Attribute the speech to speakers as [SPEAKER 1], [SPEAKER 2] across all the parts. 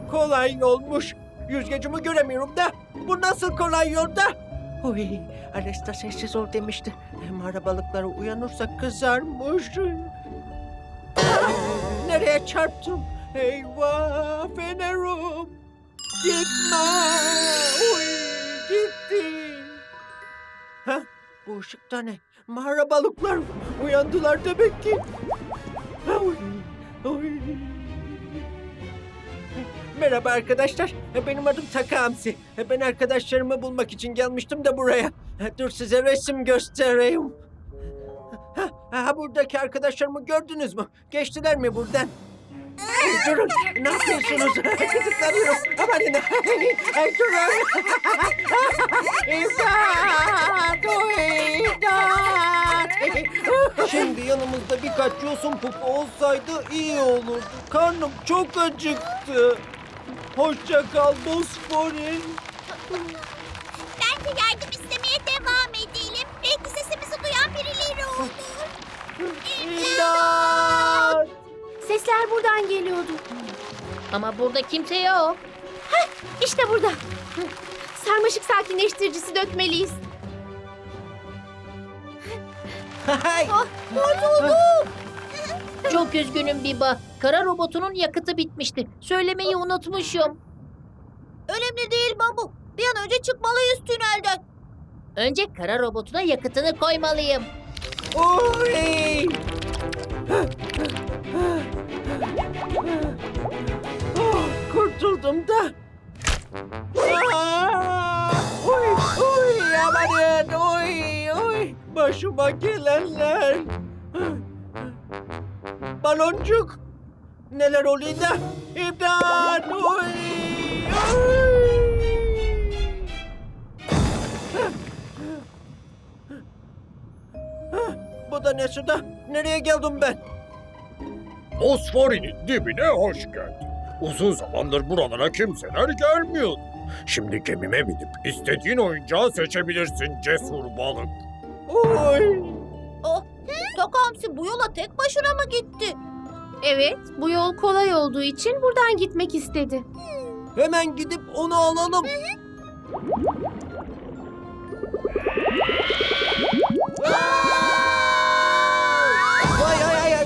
[SPEAKER 1] kolay yolmuş. Yüzgecimi göremiyorum da. Bu nasıl kolay yolda? Oy, Alesta sessiz ol demişti. Mağara balıkları uyanırsa kızarmış. Nereye çarptım? Eyvah fenerum. Gitme. Oy, gittim. Ha? Bu ışıkta ne? Mağara balıklar uyandılar demek ki. Oy, oy. Merhaba arkadaşlar. Benim adım Takamsi. Ben arkadaşlarımı bulmak için gelmiştim de buraya. Dur size resim göstereyim. Buradaki arkadaşlarımı gördünüz mü? Geçtiler mi buradan? Durun. Ne yapıyorsunuz? Kızıklanıyorum. Amanın. Durun. İmdat! İmdat! Şimdi yanımızda birkaç yosun pupu olsaydı iyi olurdu. Karnım çok acıktı. Hoşça kal Bosfor'in.
[SPEAKER 2] Bence yardım istemeye devam edelim. Belki sesimizi duyan birileri olur.
[SPEAKER 1] İmdat!
[SPEAKER 3] Sesler buradan geliyordu.
[SPEAKER 4] Ama burada kimse yok.
[SPEAKER 3] İşte burada. Sarmaşık sakinleştiricisi dökmeliyiz.
[SPEAKER 1] Hay!
[SPEAKER 4] Çok üzgünüm Biba. Kara robotunun yakıtı bitmişti. Söylemeyi unutmuşum.
[SPEAKER 2] Önemli değil babu. Bir an önce çıkmalıyız tünelden.
[SPEAKER 4] Önce kara robotuna yakıtını koymalıyım.
[SPEAKER 1] Oy! Kurtuldum da. Oy, oy, amanın, oy, oy. Başıma gelenler. Baloncuk. Neler oluyor da? İmdat, oy, oy. Bu da ne suda? Nereye geldim ben?
[SPEAKER 5] Bosfor'un dibine hoş geldin. Uzun zamandır buralara kimseler gelmiyordu. Şimdi gemime binip istediğin oyuncağı seçebilirsin cesur balık.
[SPEAKER 1] Oy!
[SPEAKER 2] Takamsi bu yola tek başına mı gitti?
[SPEAKER 3] Evet, bu yol kolay olduğu için buradan gitmek istedi.
[SPEAKER 1] Hemen gidip onu alalım. Ay ay ay ay.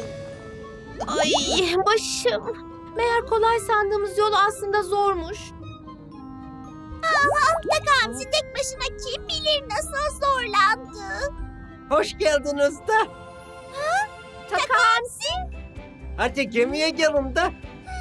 [SPEAKER 3] Ay başım. Meğer kolay sandığımız yol aslında zormuş.
[SPEAKER 2] Takamsi tek başına kim bilir nasıl zorlandı.
[SPEAKER 1] Hoş geldiniz de.
[SPEAKER 2] Takamsi?
[SPEAKER 1] Hadi gemiye gelin de.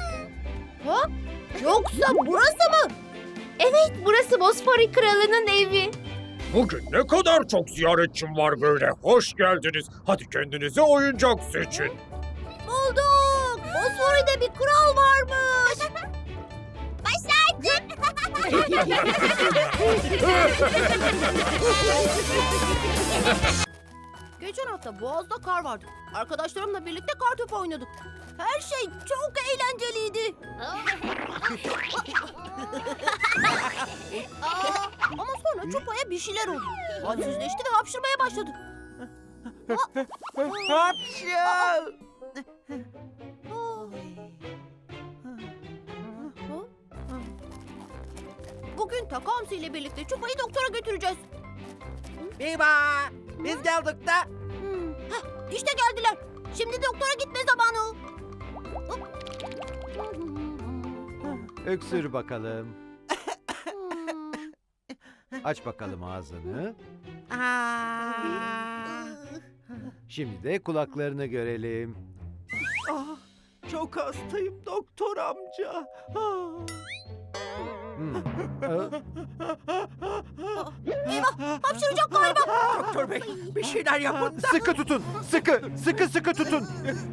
[SPEAKER 2] Yoksa burası mı?
[SPEAKER 3] Evet, burası Bosfori Kralı'nın evi.
[SPEAKER 5] Bugün ne kadar çok ziyaretçim var böyle. Hoş geldiniz. Hadi kendinize oyuncak seçin.
[SPEAKER 2] Bulduk. Bosfori'de bir kral varmış. Başardık. Geçen hafta Boğaz'da kar vardı. Arkadaşlarımla birlikte kartopu oynadık. Her şey çok eğlenceliydi. Ama sonra Çupa'ya bir şeyler oldu. Halsizleşti ve hapşırmaya başladı.
[SPEAKER 1] Hapşal.
[SPEAKER 2] Bugün Takamsi ile birlikte Çupa'yı doktora götüreceğiz.
[SPEAKER 1] Biba. Biz geldik de.
[SPEAKER 2] İşte geldiler. Şimdi doktora gitme zamanı.
[SPEAKER 6] Öksür bakalım. Aç bakalım ağzını. Şimdi de kulaklarını görelim.
[SPEAKER 1] Ah, çok hastayım doktor amca. Ah.
[SPEAKER 6] Hmm. Aa,
[SPEAKER 2] Eyvah, hapşıracak galiba.
[SPEAKER 1] Doktor bey bir şeyler yapın da.
[SPEAKER 6] Sıkı tutun. Sıkı tutun.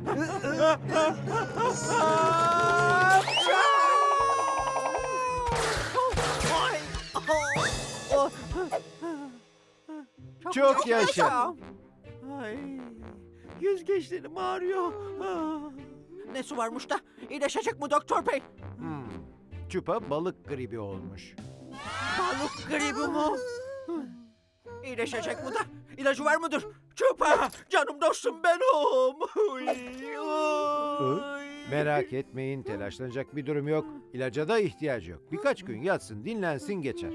[SPEAKER 6] Çok yaşa.
[SPEAKER 1] Ay, yüzgeçlerim ağrıyor. Ah. Ne su varmış da? İyileşecek mi doktor bey?
[SPEAKER 6] Çupa balık gribi olmuş.
[SPEAKER 1] Balık gribi mi? İyileşecek mi da? İlacı var mıdır? Çupa! Canım dostum benim. Uy, uy.
[SPEAKER 6] Merak etmeyin, telaşlanacak bir durum yok. İlaca da ihtiyacı yok. Birkaç gün yatsın, dinlensin geçer.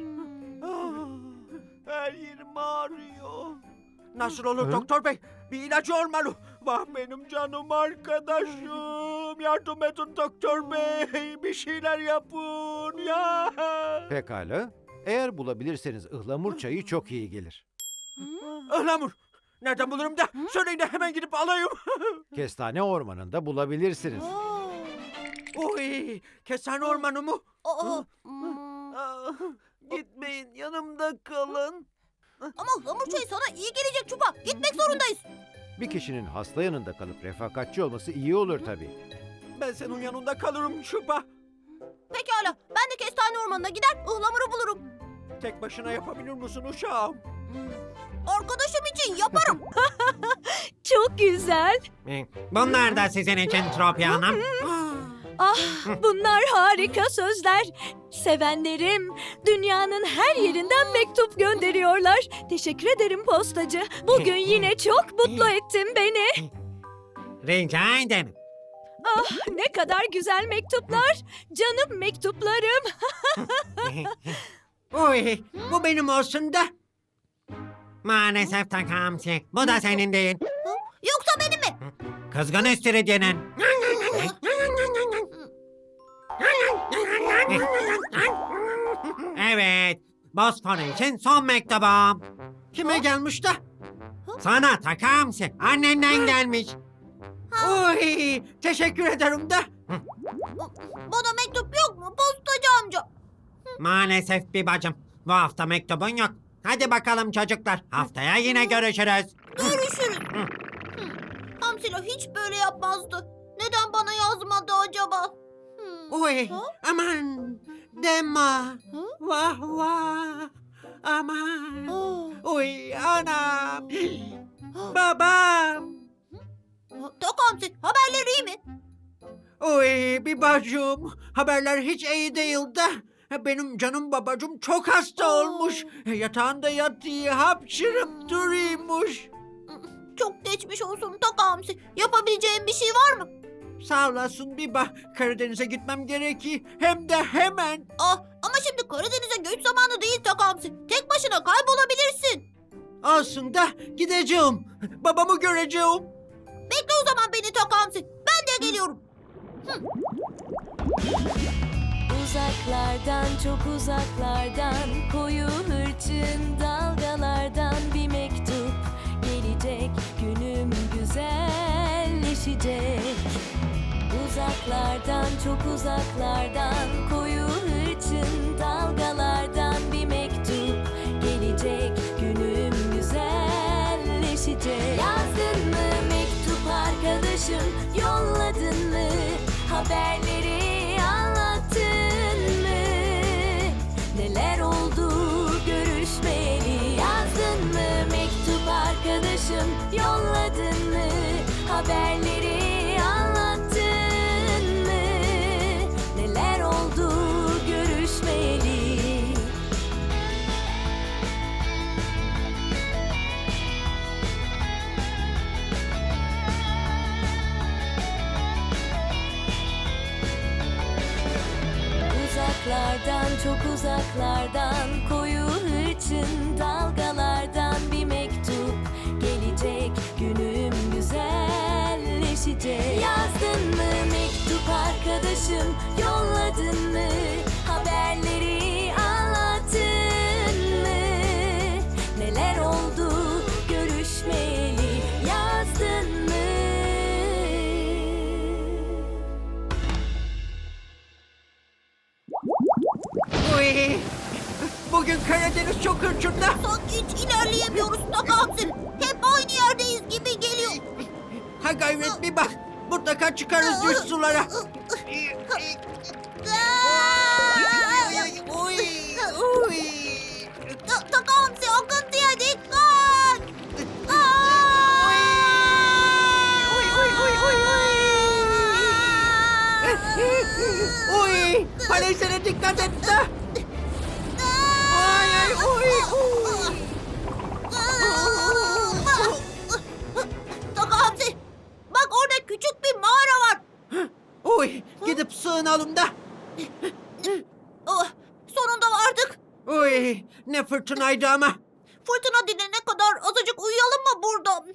[SPEAKER 1] Her yerim ağrıyor. Nasıl olur
[SPEAKER 6] Hı?
[SPEAKER 1] doktor bey? Bir ilacı olmalı. Vah benim canım arkadaşım. Yardım edin doktor bey. Bir şeyler yapın ya.
[SPEAKER 6] Pekala. Eğer bulabilirseniz ıhlamur çayı çok iyi gelir.
[SPEAKER 1] Ihlamur. Nereden bulurum da? Söyleyin de hemen gidip alayım.
[SPEAKER 6] Kestane ormanında bulabilirsiniz.
[SPEAKER 1] Oy, kestane ormanı mı?
[SPEAKER 2] Aa,
[SPEAKER 1] Ah, gitmeyin, yanımda kalın.
[SPEAKER 2] ama ıhlamur çayı sana iyi gelecek Çupa. Gitmek zorundayız.
[SPEAKER 6] Bir kişinin hasta yanında kalıp refakatçi olması iyi olur tabii.
[SPEAKER 1] Ben senin yanında kalırım Şuba.
[SPEAKER 2] Pekala. Ben de kestane ormanına gider ıhlamuru bulurum.
[SPEAKER 1] Tek başına yapabilir misin uşağım?
[SPEAKER 2] Arkadaşım için yaparım.
[SPEAKER 7] Çok güzel.
[SPEAKER 8] Bunlar da sizin için Tropya Hanım.
[SPEAKER 7] Ah, bunlar harika sözler. Sevenlerim dünyanın her yerinden mektup gönderiyorlar. Teşekkür ederim postacı. Bugün yine çok mutlu ettin beni.
[SPEAKER 8] Rica ederim.
[SPEAKER 7] Ah, ne kadar güzel mektuplar. Canım mektuplarım.
[SPEAKER 1] Oy, bu benim olsun da.
[SPEAKER 8] Maalesef Takamsi. Bu da senin değil.
[SPEAKER 2] Yoksa benim mi?
[SPEAKER 8] Kızgın istiridyenin. Evet. Bosfor için son mektubum.
[SPEAKER 1] Kime gelmiş de?
[SPEAKER 8] Sana Takamsi. Annenden gelmiş.
[SPEAKER 1] Oy, teşekkür ederim de.
[SPEAKER 2] Bana mektup yok mu postacı amca?
[SPEAKER 8] Maalesef bir bacım. Bu hafta mektubun yok. Hadi bakalım çocuklar. Haftaya yine görüşürüz.
[SPEAKER 2] Görüşürüz. Hamsila hiç böyle yapmazdı. Neden bana yazmadı acaba?
[SPEAKER 1] Oy, aman deme. Vah vah. Aman. Oy, anam. Babam.
[SPEAKER 2] Tok Hamsi haberleri iyi mi?
[SPEAKER 1] Oy, bir bacım. Haberler hiç iyi değil de. Benim canım babacım çok hasta olmuş. Yatağında yatıyor, hapşırıp duruyormuş.
[SPEAKER 2] Çok geçmiş olsun Tok Hamsi. Yapabileceğim bir şey var mı?
[SPEAKER 1] Sağ olasın Biba. Karadeniz'e gitmem gerekiyor. Hem de hemen.
[SPEAKER 2] Ah, ama şimdi Karadeniz'e göç zamanı değil Tok Hamsi. Tek başına kaybolabilirsin.
[SPEAKER 1] Olsun da gideceğim. Babamı göreceğim.
[SPEAKER 2] Bekle o zaman beni Tok Hamsi. Ben de geliyorum.
[SPEAKER 7] Uzaklardan, çok uzaklardan, koyu hırçın dalgalardan bir mektup gelecek, günüm güzelleşecek. Uzaklardan, çok uzaklardan, koyu hırçın dalgalardan bir mektup gelecek, günüm güzelleşecek. Yazdın mı mektup arkadaşım, yolladın mı haberleri, anlattın mı? Neler oldu görüşmeyeli? Yazdın mı mektup arkadaşım, yolladın mı haberleri, anlattın mı? Neler oldu görüşmeyeli? Uzaklardan, çok uzaklardan, koyu hırçın dalgalardan bir mektup gelecek, günüm güzelleşecek. Yazdın mı mektup arkadaşım, yolladın mı haberleri, anlattın mı? Neler oldu görüşmeyeli? Yazdın mı?
[SPEAKER 1] Oy. Bugün Karadeniz çok hırçında.
[SPEAKER 2] Sanki hiç ilerleyemiyoruz Tok Hamsi. Hep aynı yerdeyiz gibi geliyor.
[SPEAKER 1] Ha gayret bir bak. Mutlaka çıkarız düz sulara. Oy. Oy.
[SPEAKER 2] Tok Hamsi akıntıya dikkat.
[SPEAKER 1] Oy. Palesine dikkat et de. Ay ay oy. Oy.
[SPEAKER 2] Tok Hamsi, bak orada küçük bir mağara var.
[SPEAKER 1] Uy, gidip sığınalım da.
[SPEAKER 2] Oh, sonunda vardık.
[SPEAKER 1] Uy, ne fırtınaydı ama.
[SPEAKER 2] Fırtına dinene kadar azıcık uyuyalım mı burada?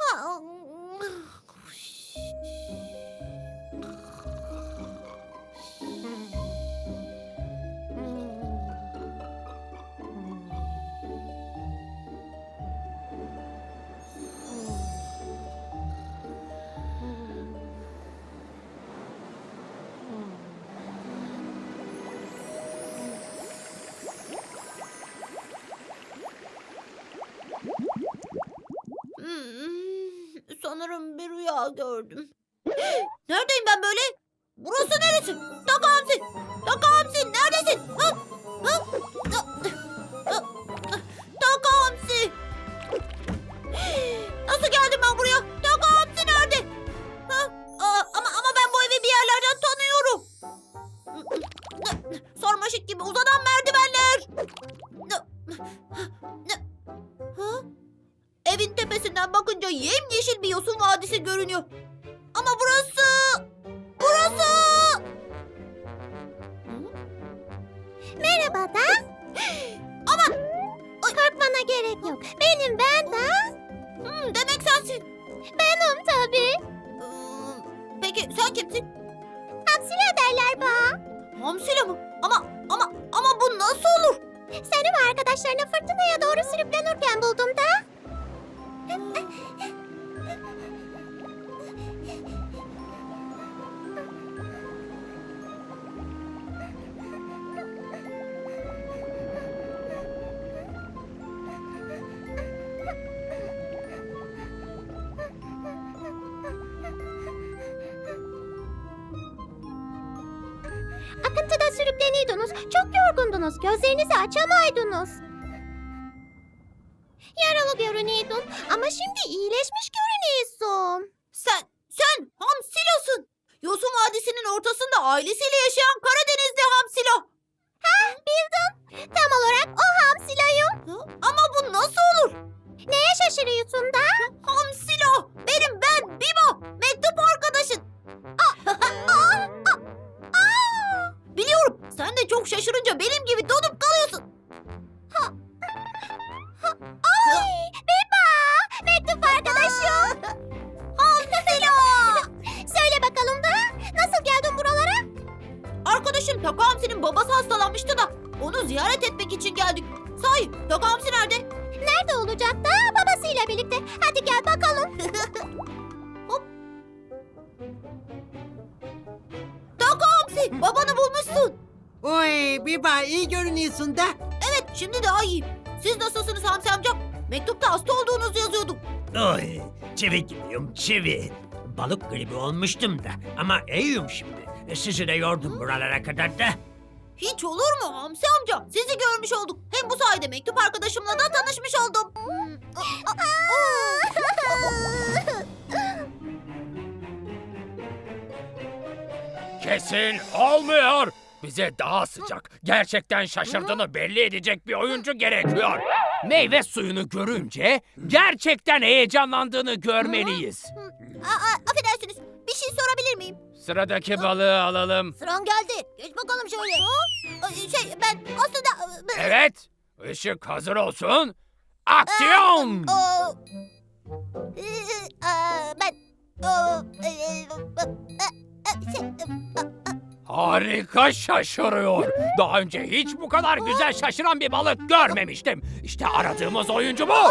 [SPEAKER 2] Sanırım bir rüya gördüm. Neredeyim ben böyle? Burası neresi? Taka Hamsi! Taka Hamsi neredesin? Ha? Ha? Taka Hamsi! Nasıl geldim ben buraya? Taka Hamsi nerede? Ha? Ama ben bu evi bir yerlerden tanıyorum. Sarmaşık gibi uzanan merdivenler. Ha? Evin tepesinden bakınca yemyeşil bir yosun vadisi görünüyor. Ama burası...
[SPEAKER 3] Merhaba da.
[SPEAKER 2] Ama...
[SPEAKER 3] Korkmana gerek yok. Ben de.
[SPEAKER 2] demek sensin.
[SPEAKER 3] Benim tabii.
[SPEAKER 2] Peki sen kimsin?
[SPEAKER 3] Hamsila derler bana.
[SPEAKER 2] Hamsila mı? Ama bu nasıl olur?
[SPEAKER 3] Seni ve arkadaşlarını fırtınaya doğru sürüklenirken buldum da. Akıntıda sürükleniyordunuz. Çok yorgundunuz. Gözlerinizi açamaydınız. Yaralı görünüyordun ama şimdi iyileşmiş görünüyorsun.
[SPEAKER 2] Sen Hamsila'sın. Yosun Vadisi'nin ortasında ailesiyle yaşayan Karadenizli Hamsila.
[SPEAKER 3] Bildin. Tam olarak o Hamsila'yım.
[SPEAKER 2] Ama bu nasıl olur?
[SPEAKER 3] Neye şaşırıyorsun da?
[SPEAKER 2] Hamsila! Ben Biba! Mektup arkadaşın! Biliyorum, sen de çok şaşırınca benim gibi donup kalıyorsun.
[SPEAKER 3] Ay, Biba! Mektup arkadaşım.
[SPEAKER 2] Hamsila!
[SPEAKER 3] Söyle bakalım da nasıl geldin buralara?
[SPEAKER 2] Arkadaşın Taka Hamsi'nin babası hastalanmıştı da onu ziyaret etmek için geldik. Sahi, Taka Hamsi nerede?
[SPEAKER 3] Nerede olacak da babasıyla birlikte. Hadi gel bakalım.
[SPEAKER 2] Taka Hamsi, babanı bulmuşsun.
[SPEAKER 1] Uy, Biba iyi görünüyorsun da.
[SPEAKER 2] Evet, şimdi daha iyiyim. Siz nasılsınız Hamsi amca? Mektupta hasta olduğunuzu yazıyordum.
[SPEAKER 8] Oy, çivi gibiyim çivi. Balık gribi olmuştum da ama iyiyim şimdi. Sizi de yordum buralara kadar da.
[SPEAKER 2] Hiç olur mu Hamsi amca? Sizi görmüş olduk. Hem bu sayede mektup arkadaşımla da tanışmış oldum.
[SPEAKER 5] Kesin olmuyor. Bize daha sıcak, gerçekten şaşırdığını belli edecek bir oyuncu gerekiyor. Meyve suyunu görünce gerçekten heyecanlandığını görmeliyiz.
[SPEAKER 2] Affedersiniz, bir şey sorabilir miyim?
[SPEAKER 5] Sıradaki balığı alalım.
[SPEAKER 2] Sıran geldi. Geç bakalım şöyle. Ben aslında...
[SPEAKER 5] Evet, ışık hazır olsun. Aksiyon!
[SPEAKER 2] Ben...
[SPEAKER 5] Harika şaşırıyor. Daha önce hiç bu kadar güzel şaşıran bir balık görmemiştim. İşte aradığımız oyuncu bu.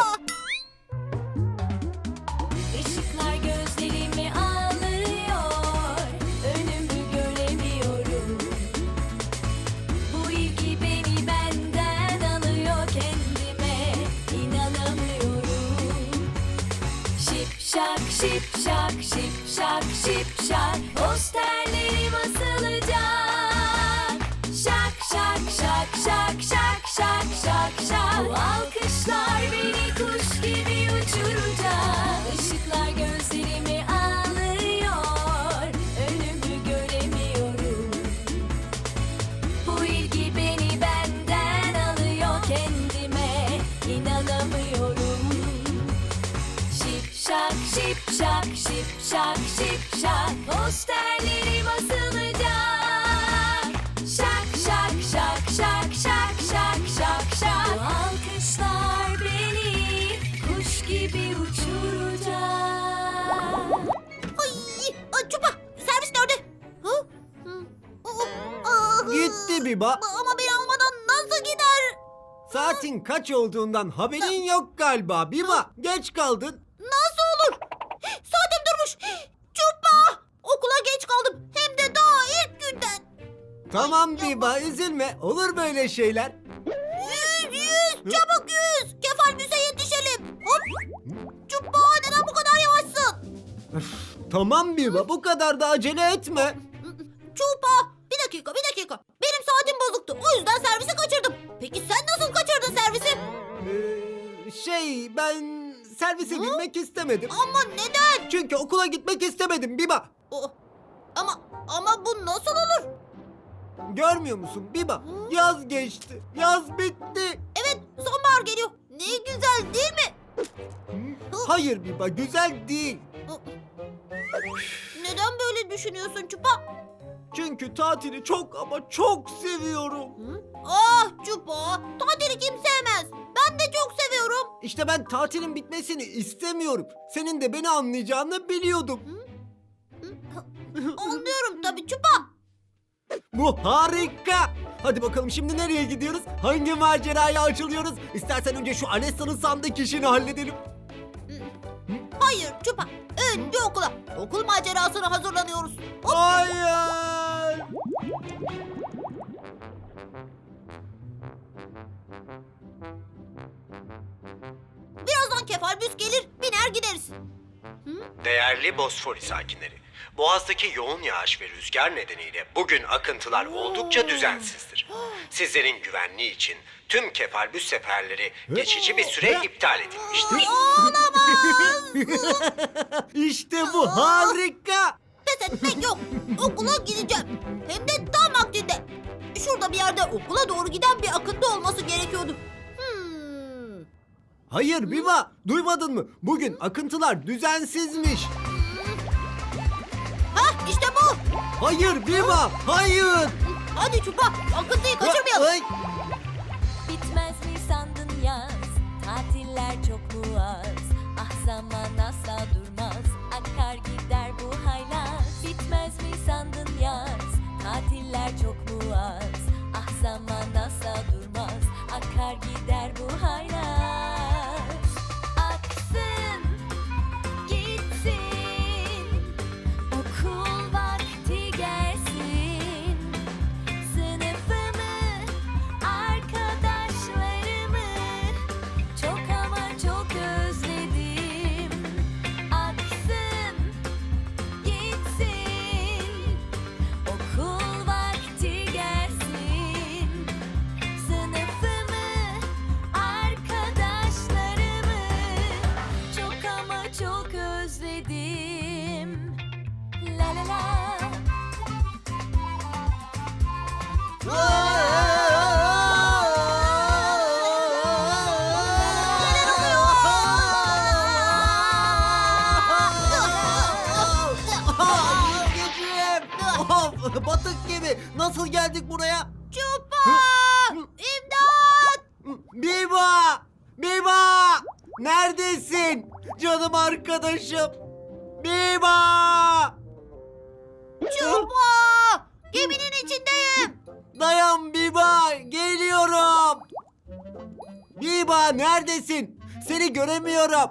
[SPEAKER 7] Işıklar gözlerimi alıyor, önümü göremiyorum. Bu ilgi beni benden alıyor, kendime inanamıyorum. Şip şak şip şak şip şak şip şak, posterlerim asılacak. Şak şak şak şak şak şak şak şak, bu alkışlar beni kuş gibi uçuracak. Işıklar gözlerimi alıyor, önümü göremiyorum. Bu ilgi beni benden alıyor, kendime inanamıyorum. Şip şak şip şak şip şak şip şak posterlerim asılacak. Şak şak şak şak şak şak şak şak bu alkışlar beni kuş gibi uçuracak.
[SPEAKER 2] Ay, Çupa servis nerede? Hı?
[SPEAKER 1] Gitti Biba.
[SPEAKER 2] Ama beni almadan nasıl gider?
[SPEAKER 1] Saatin kaç olduğundan haberin yok galiba Biba. Geç kaldın.
[SPEAKER 2] Nasıl olur? Saatim durmuş. Çupa! Okula geç kaldım. Hem de daha ilk günden.
[SPEAKER 1] Tamam Biba, üzülme. Olur böyle şeyler.
[SPEAKER 2] Yüz! Çabuk yüz! Kefalbüse yetişelim. Hop! Çupa neden bu kadar yavaşsın?
[SPEAKER 1] Tamam Biba, bu kadar da acele etme.
[SPEAKER 2] Çupa! Bir dakika. Benim saatim bozuktu. O yüzden servisi kaçırdım. Peki sen nasıl kaçırdın servisi?
[SPEAKER 1] Ben servise binmek istemedim.
[SPEAKER 2] Ama neden?
[SPEAKER 1] Çünkü okula gitmek istemedim Biba.
[SPEAKER 2] Ama bu nasıl olur?
[SPEAKER 1] Görmüyor musun Biba? Yaz geçti. Yaz bitti.
[SPEAKER 2] Evet, sonbahar geliyor. Ne güzel değil mi?
[SPEAKER 1] Hayır Biba, güzel değil.
[SPEAKER 2] Neden böyle düşünüyorsun Çupa?
[SPEAKER 1] Çünkü tatili çok ama çok seviyorum.
[SPEAKER 2] Ah Çupa, tatili kim sevmez? Ben de çok seviyorum.
[SPEAKER 1] İşte ben tatilin bitmesini istemiyorum. Senin de beni anlayacağını biliyordum.
[SPEAKER 2] Anlıyorum tabii Çupa.
[SPEAKER 1] Bu harika. Hadi bakalım şimdi nereye gidiyoruz? Hangi maceraya açılıyoruz? İstersen önce şu Alessa'nın sandık işini halledelim.
[SPEAKER 2] Hayır Çupa, önce okula. Okul macerasına hazırlanıyoruz.
[SPEAKER 1] Hayır.
[SPEAKER 2] Birazdan kefalbüs gelir, biner gideriz.
[SPEAKER 9] Değerli Bosfor sakinleri, Boğaz'daki yoğun yağış ve rüzgar nedeniyle bugün akıntılar oldukça düzensizdir. Sizlerin güvenliği için tüm kefalbüs seferleri geçici bir süre iptal edilmiştir.
[SPEAKER 1] İşte bu harika.
[SPEAKER 2] Pes etmek yok. Okula gideceğim. Hem de tam vaktinde. Şurada bir yerde okula doğru giden bir akıntı olması gerekiyordu.
[SPEAKER 1] Hayır Biba, duymadın mı? Bugün akıntılar düzensizmiş.
[SPEAKER 2] Hah işte bu.
[SPEAKER 1] Hayır Biba, hayır.
[SPEAKER 2] Hadi Çupa, akıntıyı kaçırmayalım.
[SPEAKER 1] Ay.
[SPEAKER 7] Bitmez mi sandın yaz? Tatiller çok mu az? Ah zaman asla durmaz. Akar gider bu haylaz. Bitmez mi sandın yaz? Tatiller çok mu az? Ah zaman asla durmaz. Akar gider bu haylaz. Aksın, gitsin. Okul vakti gelsin. Sınıfımı, arkadaşlarımı çok ama çok özledim. Aksın, gitsin. Okul vakti gelsin. Sınıfımı, arkadaşlarımı çok ama çok özledim. La la la.
[SPEAKER 1] Of, batık gibi. Nasıl geldik buraya?
[SPEAKER 2] Çupa! İmdat!
[SPEAKER 1] Biba! Biba! Neredesin? Canım arkadaşım. Biba!
[SPEAKER 2] Çupa! Geminin içindeyim.
[SPEAKER 1] Dayan Biba! Geliyorum. Biba neredesin? Seni göremiyorum.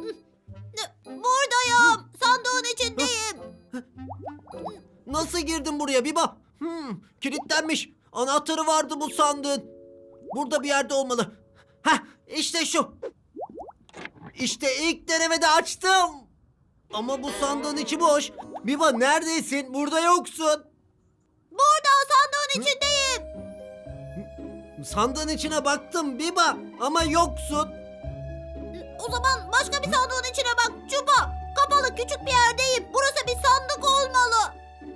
[SPEAKER 2] Buradayım. Sandığın içindeyim.
[SPEAKER 1] Nasıl girdin buraya Biba? Kilitlenmiş. Anahtarı vardı bu sandığın. Burada bir yerde olmalı. Heh, işte şu. İşte ilk denemede açtım. Ama bu sandığın içi boş. Biba neredesin? Burada yoksun.
[SPEAKER 2] Burada sandığın içindeyim.
[SPEAKER 1] Sandığın içine baktım Biba ama yoksun.
[SPEAKER 2] O zaman başka bir sandığın içine bak Çupa. Kapalı küçük bir yerdeyim. Burası bir sandık olmalı.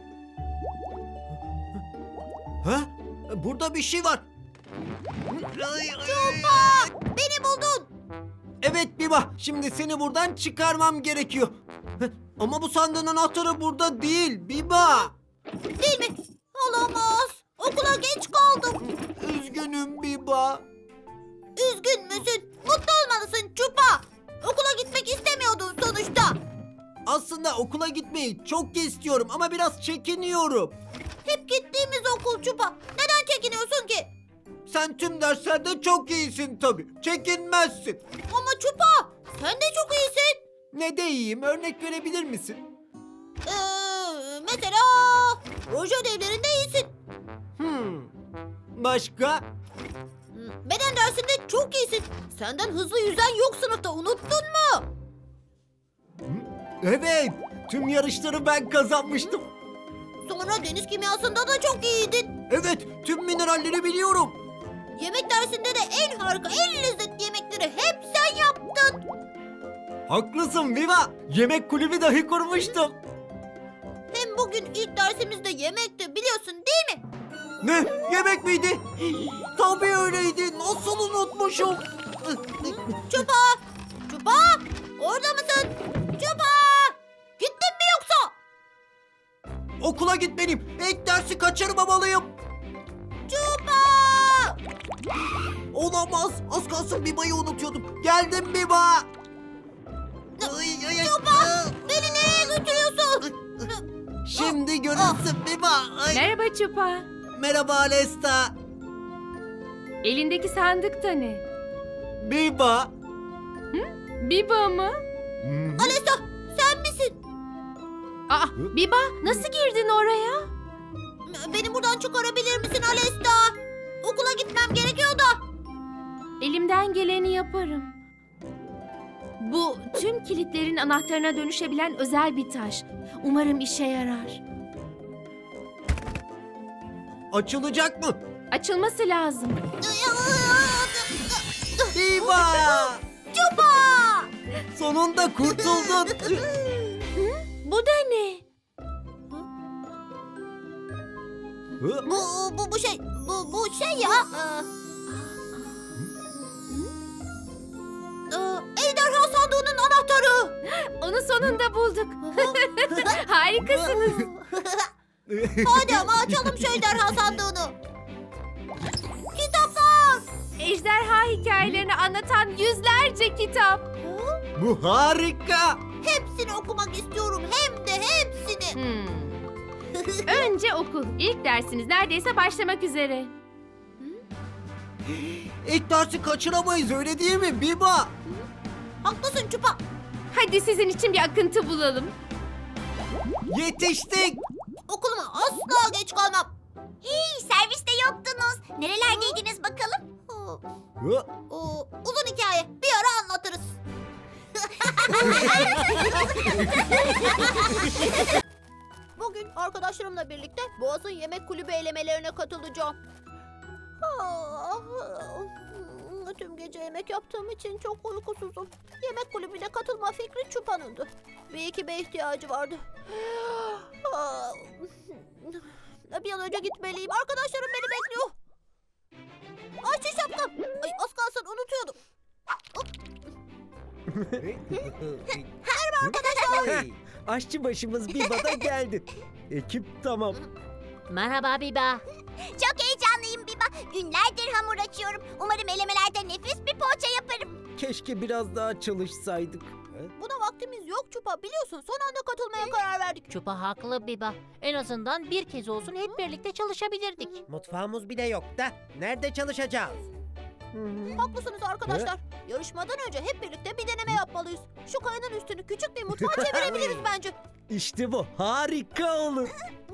[SPEAKER 1] Ha? Burada bir şey var.
[SPEAKER 2] Çupa! Beni buldun.
[SPEAKER 1] Evet Biba, şimdi seni buradan çıkarmam gerekiyor. Ama bu sandığın anahtarı burada değil Biba.
[SPEAKER 2] Değil mi? Olamaz. Okula geç kaldım.
[SPEAKER 1] Üzgünüm Biba.
[SPEAKER 2] Üzgün müsün? Mutlu olmalısın Çupa. Okula gitmek istemiyordun sonuçta.
[SPEAKER 1] Aslında okula gitmeyi çok istiyorum ama biraz çekiniyorum.
[SPEAKER 2] Hep gittiğimiz okul Çupa. Neden çekiniyorsun ki?
[SPEAKER 1] Sen tüm derslerde çok iyisin tabii. Çekinmezsin.
[SPEAKER 2] Ama Çupa sen de çok iyisin.
[SPEAKER 1] Ne de iyiyim, örnek verebilir misin?
[SPEAKER 2] Mesela proje ödevlerinde iyisin.
[SPEAKER 1] Başka?
[SPEAKER 2] Beden dersinde çok iyisin. Senden hızlı yüzen yok sınıfta, unuttun mu?
[SPEAKER 1] Evet, tüm yarışları ben kazanmıştım.
[SPEAKER 2] Sonra deniz kimyasında da çok iyiydin.
[SPEAKER 1] Evet, tüm mineralleri biliyorum.
[SPEAKER 2] Yemek dersinde de en harika, en lezzetli yemekleri hep sen yaptın.
[SPEAKER 1] Haklısın Viva. Yemek kulübü dahi kurmuştum.
[SPEAKER 2] Hem bugün ilk dersimizde yemekti, biliyorsun değil mi?
[SPEAKER 1] Ne? Yemek miydi? Tabii öyleydi. Nasıl unutmuşum?
[SPEAKER 2] Çupa! Çupa! Orada mısın? Çupa! Gittin mi yoksa?
[SPEAKER 1] Okula gitmeliyim. İlk dersi kaçırmamalıyım.
[SPEAKER 2] Çupa!
[SPEAKER 1] Olamaz. Az kalsın Biba'yı unutuyordum. Geldim Biba.
[SPEAKER 2] Çupa! Beni nereye götürüyorsun?
[SPEAKER 1] Şimdi görürsün Biba. Ay.
[SPEAKER 3] Merhaba Çupa.
[SPEAKER 1] Merhaba Alesta.
[SPEAKER 3] Elindeki sandık da ne?
[SPEAKER 1] Biba.
[SPEAKER 3] Biba mı?
[SPEAKER 2] Alesta, sen misin?
[SPEAKER 3] Aa, Biba nasıl girdin oraya?
[SPEAKER 2] Beni buradan çıkarabilir misin Alesta? Okula gitmem gerekiyor da.
[SPEAKER 3] Elimden geleni yaparım. Bu tüm kilitlerin anahtarına dönüşebilen özel bir taş. Umarım işe yarar.
[SPEAKER 1] Açılacak mı?
[SPEAKER 3] Açılması lazım.
[SPEAKER 1] Biba.
[SPEAKER 2] Çupa!
[SPEAKER 1] Sonunda kurtuldun.
[SPEAKER 3] Bu da ne?
[SPEAKER 2] Bu şey ya. Ejderha sandığının anahtarı.
[SPEAKER 3] Onu sonunda bulduk. Harikasınız.
[SPEAKER 2] Hadi ama açalım şu ejderha sandığını. Kitaplar.
[SPEAKER 3] Ejderha hikayelerini anlatan yüzlerce kitap.
[SPEAKER 1] Bu harika.
[SPEAKER 2] Hepsini okumak istiyorum. Hem de hepsini.
[SPEAKER 3] Önce okul. İlk dersiniz neredeyse başlamak üzere.
[SPEAKER 1] İlk dersi kaçıramayız öyle değil mi Biba?
[SPEAKER 2] Haklısın Çupa.
[SPEAKER 3] Hadi sizin için bir akıntı bulalım.
[SPEAKER 1] Yetiştik.
[SPEAKER 2] Okuluma asla geç kalmam. Hey, serviste yoktunuz. Nerelerdeydiniz bakalım? Uzun hikaye. Bir ara anlatırız. Bugün arkadaşlarımla birlikte Boğaz'ın yemek kulübü elemelerine katılacağım. Tüm gece yemek yaptığım için çok uykusuzum. Yemek kulübüne katılma fikri Çupa'nındı. Bir ekibe ihtiyacı vardı. Bir an önce gitmeliyim. Arkadaşlarım beni bekliyor. Ayşe şapkam. Ay, az kalsın unutuyordum.
[SPEAKER 10] Aşçı başımız Biba da geldi. Ekip tamam.
[SPEAKER 4] Merhaba Biba.
[SPEAKER 2] Çok heyecanlıyım Biba. Günlerdir hamur açıyorum. Umarım elemelerde nefis bir poğaça yaparım.
[SPEAKER 10] Keşke biraz daha çalışsaydık.
[SPEAKER 2] Buna vaktimiz yok Çupa. Biliyorsun son anda katılmaya karar verdik.
[SPEAKER 4] Çupa haklı Biba. En azından bir kez olsun hep birlikte çalışabilirdik.
[SPEAKER 10] Mutfağımız bile yok da nerede çalışacağız?
[SPEAKER 2] Haklısınız arkadaşlar. Yarışmadan önce hep birlikte bir deneme yapmalıyız. Şu kayanın üstünü küçük bir mutfağa çevirebiliriz bence.
[SPEAKER 10] İşte bu harika olur.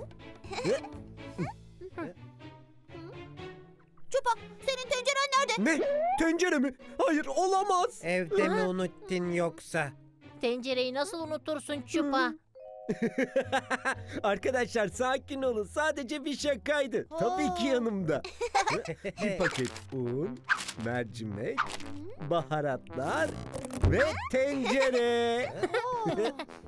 [SPEAKER 2] Çupa, senin tenceren nerede?
[SPEAKER 10] Ne? Tencere mi? Hayır olamaz.
[SPEAKER 11] Evde mi unuttun yoksa?
[SPEAKER 4] Tencereyi nasıl unutursun Çupa?
[SPEAKER 10] Arkadaşlar sakin olun. Sadece bir şakaydı. Tabii ki yanımda. Bir paket un, mercimek, baharatlar ve tencere.